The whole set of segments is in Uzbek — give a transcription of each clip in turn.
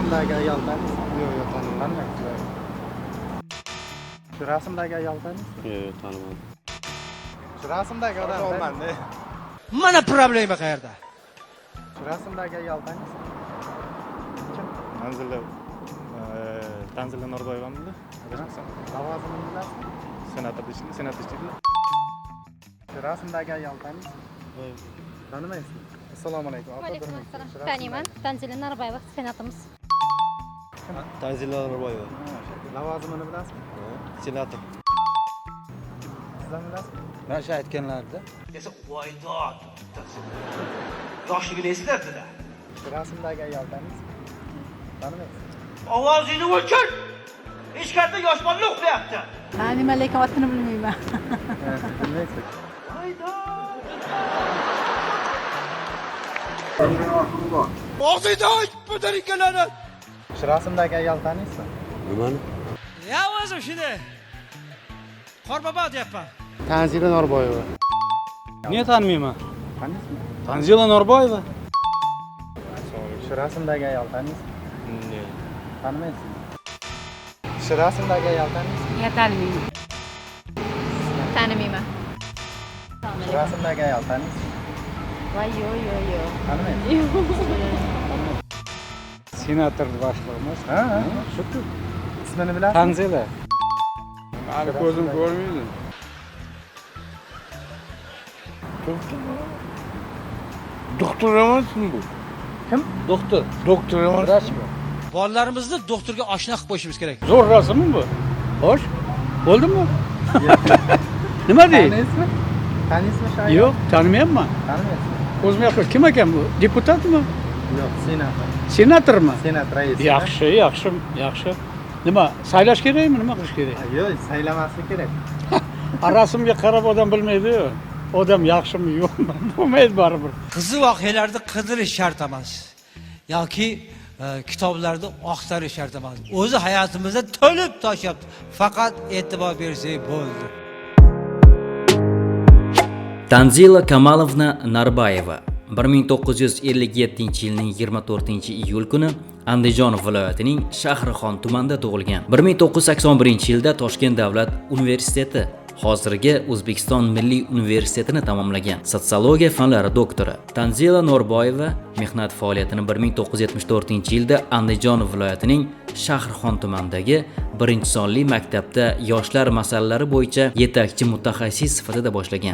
rasmdagi ayol taniysiz? Yo'q, tanimayman. Shu rasmdagi ayol taniysiz? Yo'q, tanimayman. Shu rasmdagi odam taniysiz? Mana problema qayerda? Shu rasmdagi ayol taniysiz? Tanzila Norboyevamidi? Lavozimini bilasizmi? Senator ishlaydi. Shu rasmdagi ayol taniysiz? Tanimaysizmi? Assalomu alaykum. Alaykum assalom. Taniyman. Tanzila Norboyeva, senatimiz. Tanzila Norboyeva. Lavozimini bilasizmi? Senator. Sizlar bilasizmi? Mana shu aytganlarda. Desa, voydod. Yoshligini eslatdi-da. Shu rasmdagi ayol taniysiz? Tanimaysizmi? Ovozingni o'chir. Hech qayerda yosh bola uxlayapti. Nima lekin otini bilmayman. Bilmaysiz. Og'zingni och, pudarikalarni. Shu rasmdagi ayol taniysizmi? Nimani? Ya o'zim shunday. Qorbobo deyapman. Tanzila Norboyeva. Niye tanımayayım? Taniysizmi? Tanzila Norboyeva. Shu rasmdagi ayol taniysizmi? Yo'q. Tanimaysizmi? Shu rasmdagi ayol taniysizmi? Ya tanımayman. Tanimayman. Shu rasmdagi ayol taniysizmi? Voy yo'q. Tanimaysizmi? Senator başkanımız. Ha, shu. İsmini bilasizmi? Tanzila. Abi gözüm görmüyordu. Doktor emasmi bu? Kim? Doktor. Doktor emas. Bolalarimizni doktorga oshna qilib qo'yishimiz kerak. Zor rasmı mı bu? Hoş. Oldu mu? Nima deydi? Taniysizmi? Taniysizmi shu ayol? Yok, tanımayapman. Tanimaysizmi? O'zim yo'q. Kim ekan bu? Deputat mı? Yo'q, senator. Senator mı? Senat raisi. Yaxshi. Nima, saylash kerakmi? Nima qilish kerak? Yo'q, saylamaslik kerak. Rasmga qarab odam bilmaydi-yu. Odam yaxshimi, yo'qmi? Bo'lmaydi baribir. Qiziq voqealarni qidirish shart emas. Yoki kitoblarda oqtarish shart emas. O'zi hayotimizda to'lib toshyapti. Faqat e'tibor bersak bo'ldi. Tanzila Kamalovna Narbayeva 1957-yilning 24-iyul kuni Andijon viloyatining Shahrixon tumanida tug'ilgan. 1981-yilda Toshkent davlat universiteti, hozirgi O'zbekiston Milliy universitetini tamomlagan. Sotsiologiya fanlari doktori. Tanzila Norboyeva mehnat faoliyatini 1974-yilda Andijon viloyatining Shahrixon tumanidagi 1-sonli maktabda yoshlar masalalari bo'yicha yetakchi mutaxassis sifatida boshlagan.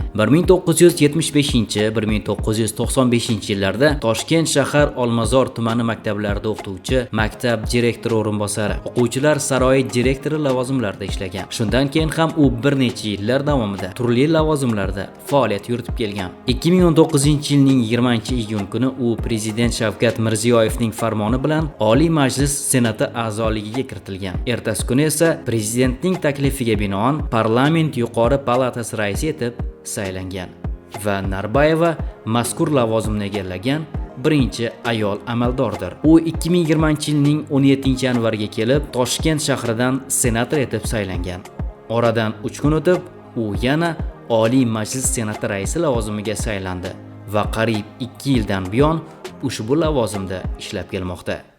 1975-1995-yillarda Toshkent shahar Olmazor tumani maktablarida o'qituvchi, maktab direktori o'rinbosari, o'quvchilar saroyi direktori lavozimlarida ishlagan. Shundan keyin ham u bir necha yillar davomida turli lavozimlarda faoliyat yuritib kelgan. 2019-yilning 20-iyun kuni u prezident Shavkat Mirziyoyevning farmoni bilan Oliy Majlis Senati a'zoligiga kiritilgan. Ertasi kuni esa prezidentning taklifiga binoan parlament yuqori palatasi raisi etib saylangan va Narbayeva mazkur lavozimni egallagan birinchi ayol amaldordir. U 2020-yilning 17-yanvariga kelib Toshkent shahridan senator etib saylangan. Oradan 3 kun o'tib u yana Oliy Majlis Senati raisi lavozimiga saylandi va qariyb 2 yildan buyon ushbu lavozimda ishlab kelmoqda.